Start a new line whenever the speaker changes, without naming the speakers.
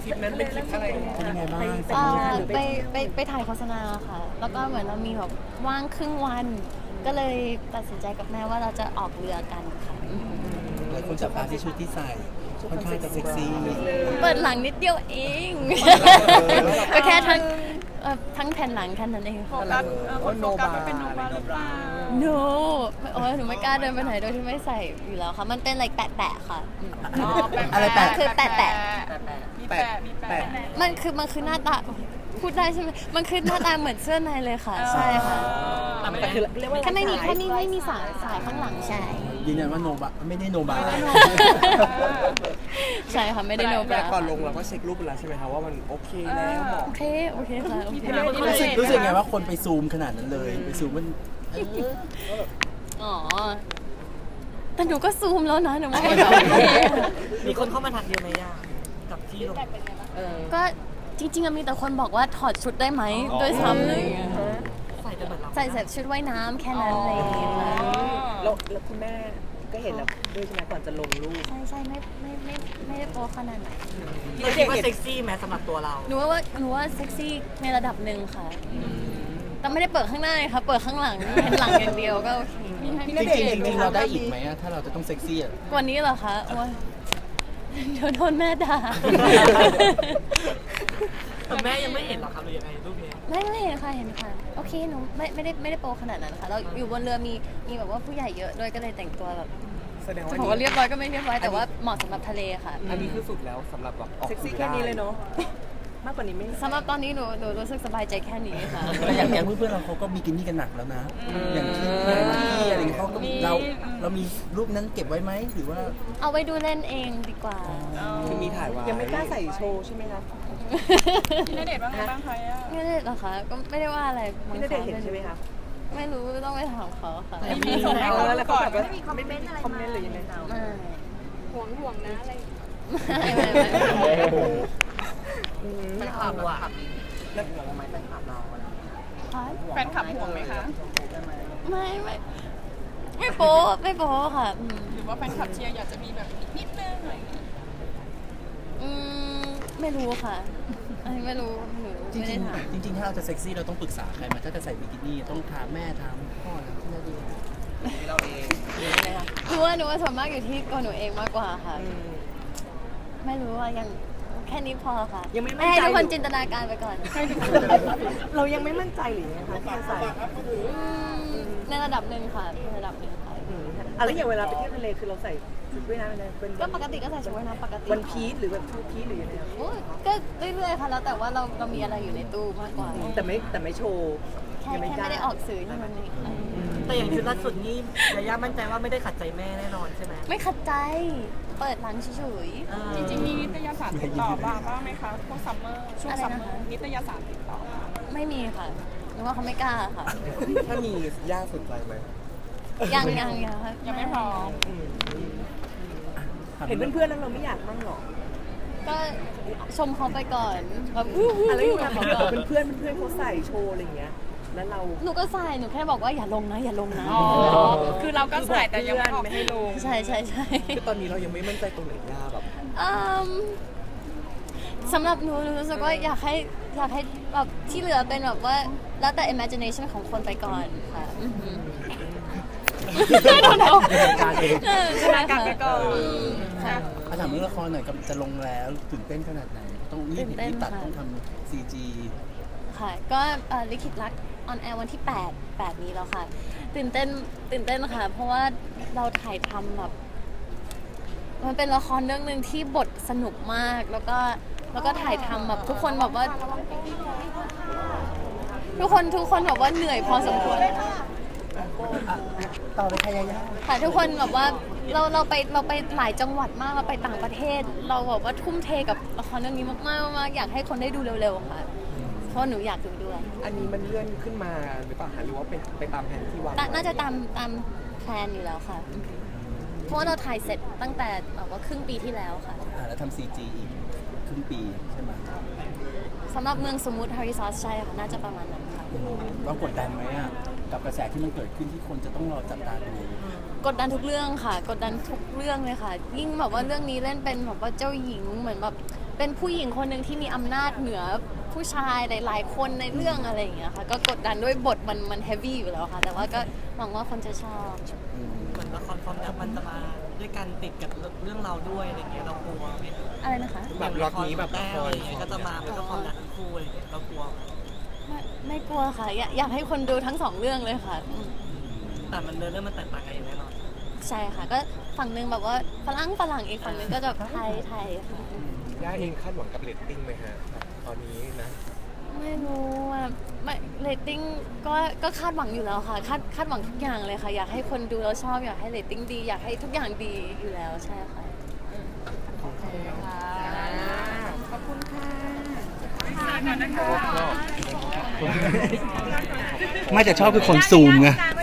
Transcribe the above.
คลิปนั้นเป็นคลิปอะไร
เป็นยังไงบ้าง
ไปถ่ายโฆษณาค่ะ แล้วก็เหมือนเรามีแบบว่างครึ่งวัน ก็เลยตัดสินใจกับแม่ว่าเราจะออกเรือกันค่ะ
หลายคนจับตาที่ชุดที่ใส่ค่อนข้างจะเซ็กซี่
เปิดหลังนิดเดียวเอง ก็แค่ทั้งแผ่นหลังแค่นั้นเอง
โฟกัสคนโฟกัสเป็นโนบาหรือเปล่า
no โอ้ยหนูไม่กล้าเดินไปไหนโดยที่ไม่ใส่อยู่แล้วค่ะ มันเป็นอะไรแปะๆค่ะ
อะไรแปะ
คือแปะ
มีแปะมีแปะ
มันคือหน้าตาพูดได้ใช่ไหมมันคือหน้าตาเหมือนเสื้อในเลยค่ะ ใช่ค่ะ
แต่คือเรียกว่า
แค่ไม่มีสายข้างหลังใช่
ยืนยันว่าโนบะไม่ได้โนบา
ใช่ค่ะไม่ได้โนบ
แต่
รา
ก่อนลงเราก็เช็ครูปไปแล้วใช่ไหมคะว่ามันโอเคแล้วเหมาะ
โอเคค่ะโอเค
รู้สึกไงว่าคนไปซูมขนาดนั้นเลยไปซูมมัน
อ๋อแต่หนูก็ซูมแล้วนะหนูว่ามันโอเค
มีคนเข้ามาทักเยอะไหมย่ากับที่ลง
ก็จริงๆมีแต่คนบอกว่าถอดชุดได้ไหมด้วยซ้ำเลย
ใส่กันเหมือนเรา
ใส่ชุดว่ายน้ำแค่นั้นอะไรอย่างเงี้ยค่ะ
แล้วคุณแม่ก็เห็นแล้วด้วยใช่ไหมก่อนจะลงรูป
ใช่ไม่ได้โป๊ขนาดไหน
เราคิดว่าเซ็กซี่ไหมสำหรับตัวเรา
หนูว่าเซ็กซี่ในระดับหนึ่งค่ะ แต่ไม่ได้เปิดข้างหน้าเลยค่ะ เปิดข้างหลังเห็นหลังอย่างเดียวก็โอเค
จริงๆเราได้อีกไหมถ้าเราจะต้องเซ็กซี่อ่ะ
กว่านี้เหรอคะโอ๊ยเดี๋ยวโดนแม่ด่า
แต่แม่ยังไม่เห็นหรอครับหรือยังไงรูปนี้
ไม่เห็นค่ะเห็นค่ะโอเคหนูไม่ได้โปรขนาดนั้นค่ะเราอยู่บนเรือมีแบบว่าผู้ใหญ่เยอะด้วยก็เลยแต่งตัวแบบ
แสดงว่า
จะบอกว่าเรียบร้อยก็ไม่เรียบร้อยแต่ว่าเหมาะสำหรับทะเลค่ะ
อันนี้คือสุดแล้วสำหรับแบบเซ็กซี่แค่นี้เลยเนาะมากกว่านี้ไม่
สำหรับตอนนี้หนูรู้สึกสบายใจแค่นี้ค่ะ
แต่อย่างแก๊งเพื่อนๆเราเขาก็บิกินี่กันหนักแล้วนะ อย่างที่อะไรอย่างเงี้ยเขาก็เรามีรูปนั้นเก็บไว้ไหมหรือว่า
เอาไว้ดูเล่นเองดีกว่า
คือมีถ่ายไว้ยังไม่กล้าใส่โชว์ใช่ไหมคะ
พี่ณเดชน์ว่าไงบ้างคะย่า
ไม่ได้หรอคะก็ไม่ได้ว่าอะไรมั้ง
พี่ณ
คะ
เดชน์เห็นใช่ไหมคะ
ไม่รู้ต้องไปถามเขาค่ะ
มีส่งให้เขา
แล้ว
ก่
เขา
อน
แบบว่าไม่มีคอมเมนต์อะไรคอมเมนต์หรือยังไง
ไม่
ห่วงนะอะไร
แฟนคลับอ่ะแล้วห่วงไหมแฟนคลับเรา
แฟนคลับห่วงไหมคะ
ไม่โป๊ค่ะ
หรือว่าแฟนคลับเชียร์อยากจะมีแบบอีกนิดนึงอะไรอย่างเงี้ย
ไม่รู้ค่ะอันนี้ไม่รู้หนู
จริ
ไม่ได้ถาม
งๆถ้าเราจะเซ็กซี่เราต้องปรึกษาใครไหมาถ้าจะใส่บิกินี่ต้องถามแม่ถามพ่อถามที่นั่นดีเราเอง
หนูว่าส่วนมากอยู่ที่ตัวหนูเองมากกว่าค่ะ ไม่รู้ว่ายังแค่นี้พอค่ะ
ยังไม่มั่น
ให้
ใจ
ทุกคนจินตนาการไปก่อน
เรายังไม่มั่นใจหรือยังไงคะที่จะใส่
ในระดับหนึ่งค่ะในระดับหนึ่งค่ะ
อะไรอย่างเวลาไปเที่ยวทะเลคือเราใส่ชุดว่ายน้ำอะไรเป็น
ก็ปกติก็ใส่ชุดว่ายน้ำปกติ
วันพีชหรือแบบทูพีชหรือยังไงคะ
โอ้ยก็เรื่อยๆค่ะแล้วแต่ว่าเรามีอะไรอยู่ในตู้มากกว่า
แต่ไม่โชว์
แค่ไม่ได้ออกสื่อเท่านั้นเองค่ะ
แต่อย่างชุดล่าสุดนี่ยาย่ามั่นใจว่าไม่ได้ขัดใจแม่แน่นอนใช่ไหม
ไม่ขัดใจเปิดร้านเฉย
จริงๆมีนิตยสารติดต่อบ้างไหมคะพวกซัมเมอร์ช่วง
อะไร
ซัม
นะ
เมอ
คะ
ร์นิตยสารติดต่อมา
ไม่มีค่ะหนูว่าเขาไม่กล้าค่ะ
ถ้ามีย่าสนใจไหม
ยังค่ะ
ยังไม่พร้อม
เห็นเพื่อนๆแล้วเราไม่อยากมั่งหรอ
ก็ชมเขาไปก่อนแบบ
อะไรอย่างเงี้ย
เขาก่อน
เพื่อนเขาใส่โชว์อะไรอย่างเงี้ยแล้วเรา
หนูก็ใส่หนูแค่บอกว่าอย่าลงนะ
อ๋อ คือเราก็ใส่แต่ยังไม่ออกให้ลง
ใช่
คือตอนนี้เรายังไม่มั่นใจตรงไหนย่าแบบ
อืมสำหรับหนูรู้สึกว่าอยากให้แบบที่เหลือเป็นแบบว่าแล้วแต่ imagination ของคนไปก่อนค่ะไม่ต้องเอา
การเอง
ใช่ค่ะ ค่ะ
ถามเรื่องละครหน่อยกับจะลงแล้วตื่นเต้นขนาดไหนต้องรีบตัดต้องทำ CG
ค่ะก็ลิขิตรักออนแอร์วันที่8นี้แล้วค่ะตื่นเต้นค่ะ เพราะว่าเราถ่ายทำแบบมันเป็นละครเรื่องหนึ่งที่บทสนุกมากแล้วก็ถ่ายทำแบบทุกคนแบบว่า ทุกคนแบบว่าเหนื่อยพอสมควร
ต่อไปใครยายา
ค่ะทุกคนแบบว่าเราไปหลายจังหวัดมากเราไปต่างประเทศ เราแบบว่าทุ่มเทกับละครเรื่องนี้มากอยากให้คนได้ดูเร็วๆค่ะเพราะหนูอยากดูด้วย
อันนี้มันเลื่อนขึ้นมาหรือเปล่าหรือว่าไปตามแผนที่วาง
น่าจะตามแพลนอยู่แล้วค่ะ เพราะว่าเราถ่ายเสร็จตั้งแต่แบบว่าครึ่งปีที่แล้วค่ะ
แล้วทำ CG อีกครึ่งปีใช่ไหม
สำหรับเมืองสมมุติฮาริซอสใช่ค่ะน่าจะประมาณนั้นค่ะ
ว่ากดดันไหมอ่ะกับกระแสที่มันเกิดขึ้นที่คนจะต้องรอจับตาดู
กดดันทุกเรื่องค่ะ กดดันทุกเรื่องเลยค่ะ ยิ่งแบบว่าเรื่องนี้เล่นเป็นแบบว่าเจ้าหญิงเหมือนแบบเป็นผู้หญิงคนหนึ่งที่มีอำนาจเหนือผู้ชายหลายๆคนในเรื่องอะไรอย่างเงี้ยค่ะก็กดดันด้วยบทมันเฮฟวี่อยู่แล้วค่ะแต่ว่าก็หวังว่าคนจะชอบ
เหมือนละครความรักมันจะมาด้วยกันติดกับเรื่องเราด้วยอะไรเงี้ยเรากลัวไหมคะ
อะไรนะคะ
แบบล็อตนี้แบบ
แต้วอะไรเงี้ยก็จะมาเป็นละครรักทั้งคู่อะไรเงี้ยเรากลัวไหม
ไม่กลัวค่ะอยากให้คนดูทั้งสองเรื่องเลยค่ะ
แต่มันเรื่องมันแตกต่างกันอย่างแน่นอน
ใช่ค่ะก็ฝั่งหนึงแบบว่าฝรั่งอีกฝั่งหนึงก็จะไทยค่ะ
ย่าเองคาดหวังกับเรตติ้งไหมฮะตอนนี้นะ
ไม่รู้อ่ะไม่เรตติ้งก็คาดหวังอยู่แล้วค่ะคาดหวังทุกอย่างเลยค่ะอยากให้คนดูแล้วชอบอยากให้เรตติ้งดีอยากให้ทุกอย่างดีอยู่แล้วใช่ค่ะ
ขอบคุณค่ะ
ไม่แต่ชอบคือคนซูมไง